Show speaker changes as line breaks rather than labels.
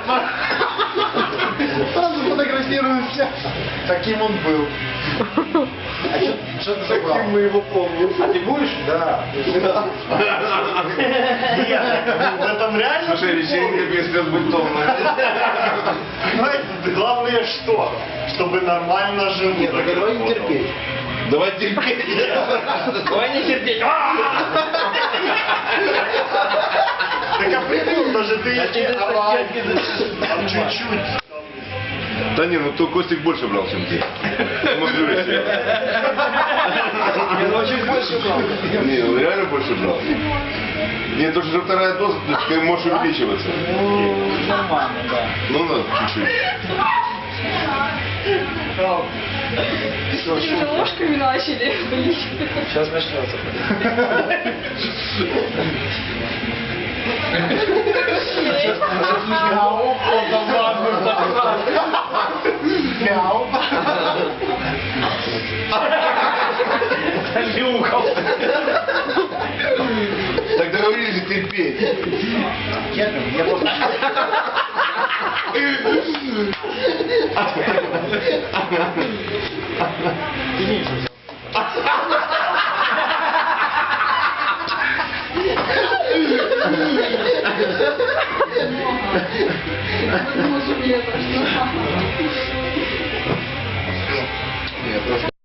Сразу фотографируемся. Таким он был. А что ты забрал?
Таким мы его помним.
А ты будешь? Да.
Нет, в этом реально.
Слушай, вечеринка перестает быть томной.
Понимаете, главное что? Чтобы нормально жил.
Нет, так давай не терпеть.
Давай терпеть.
Давай не терпеть.
Так а придумал, даже ты там чуть-чуть.
Да не, ну то Костик больше брал, чем ты. Смотрю себе.
Я очень больше брал.
Не, он реально больше брал. Нет, то, что вторая доза, ты можешь увеличиваться.
Ну, нормально, да.
Ну, надо чуть-чуть.
Вы уже ложками начали. Блин.
Сейчас начнется. Мяу, мяу.
Так договорились же терпеть.
Я просто... Ты меньше взял.